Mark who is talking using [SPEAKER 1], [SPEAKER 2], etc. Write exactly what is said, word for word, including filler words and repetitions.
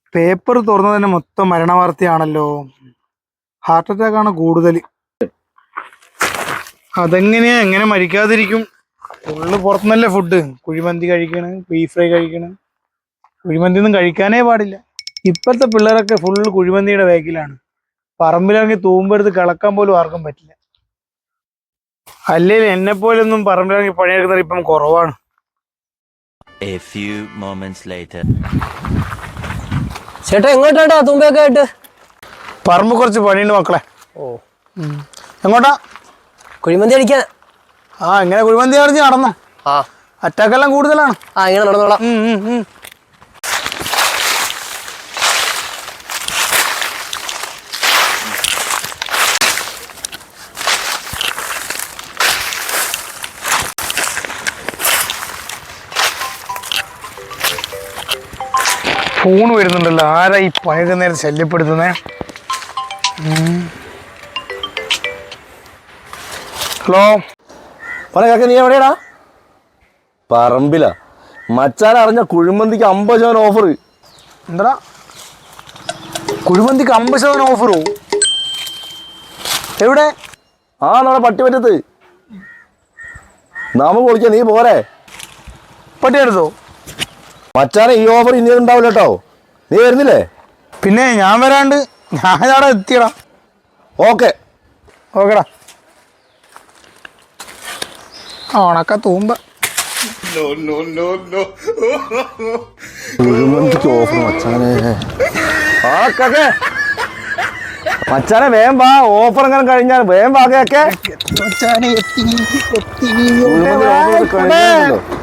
[SPEAKER 1] Paper തുറന്നു തന്നെ മൊത്തം മരണവാർത്തയാണല്ലോ. ഹാർട്ട് അറ്റാക്ക് ആണ് കൂടുതൽ. അതെങ്ങനെയാ എങ്ങനെ മരിക്കാതിരിക്കും? ഫുള്ള് പുറത്തുനിന്നല്ലേ ഫുഡ്. കുഴിമന്തി കഴിക്കണ്, ബീഫ് ഫ്രൈ കഴിക്കണ്. കുഴിമന്തി ഒന്നും കഴിക്കാനേ പാടില്ല. ഇപ്പോഴത്തെ പിള്ളേരൊക്കെ ഫുള്ള് കുഴിമന്തിയുടെ ബാക്കിലാണ്. പറമ്പിലിറങ്ങി തൂമ്പെടുത്ത് കിളക്കാൻ പോലും ആർക്കും പറ്റില്ല. അല്ലെങ്കിൽ എന്നെ പോലൊന്നും പറമ്പിലിറങ്ങി പണിയെടുക്കുന്നത് ഇപ്പം കുറവാണ്.
[SPEAKER 2] A few moments later.
[SPEAKER 3] ചേട്ടാ എങ്ങോട്ടാ തൂമ്പയൊക്കെ ആയിട്ട്?
[SPEAKER 1] പറമ്പ് കുറച്ച് പണിയുണ്ട് മക്കളെ.
[SPEAKER 3] ഓ
[SPEAKER 1] എങ്ങോട്ടാ?
[SPEAKER 3] കുഴിമന്തി അടിക്കാൻ.
[SPEAKER 1] ആ ഇങ്ങനെ കുഴിമന്തി അടിഞ്ഞ് നടന്നോ?
[SPEAKER 3] ആ
[SPEAKER 1] അറ്റാക്കെല്ലാം കൂടുതലാണ്.
[SPEAKER 3] ആ ഇങ്ങനെ നടന്നോളാം.
[SPEAKER 1] ഫോൺ വരുന്നുണ്ടല്ലോ. ആരാ ഈ പണിയൊക്കെ നേരം ശല്യപ്പെടുത്തുന്നേ? ഹലോ
[SPEAKER 4] പറയാ, നീ എവിടെയാടാ? പറമ്പില. മച്ചാൻ അറിഞ്ഞ കുഴിമന്തിക്ക് അമ്പത് ശതമാനം ഓഫർ.
[SPEAKER 1] എന്താ കുഴിമന്തിക്ക് അമ്പത് ശതമാനം ഓഫറോ? എവിടെ?
[SPEAKER 4] ആ നമ്മുടെ പട്ടിമറ്റത്ത്. നമുക്ക് വിളിക്കാം, നീ പോരെ?
[SPEAKER 1] പട്ടിയെടുത്തോ?
[SPEAKER 4] മച്ചാനെ ഈ ഓഫർ ഇനി ഉണ്ടാവില്ല കേട്ടോ. നീ വരുന്നില്ലേ?
[SPEAKER 1] പിന്നെ ഞാൻ വരാണ്ട്. ഞാൻ അവിടെ എത്തിയടാ.
[SPEAKER 4] ഓക്കെ
[SPEAKER 1] ഓക്കെടാ. ഓണക്ക തൂമ്പ.
[SPEAKER 4] കുഴിമന്തിക്ക് ഓഫർ മച്ചാനെ. ആ കേക്കെ മച്ചാനെ വേഗം വാ. ഓഫർ എങ്ങനെ കഴിഞ്ഞാൽ വേഗം വാ കേക്കെ.
[SPEAKER 1] മച്ചാനെ എത്തി എത്തി
[SPEAKER 4] കുഴിമന്തി ഓഫർ കഴിഞ്ഞല്ലോ.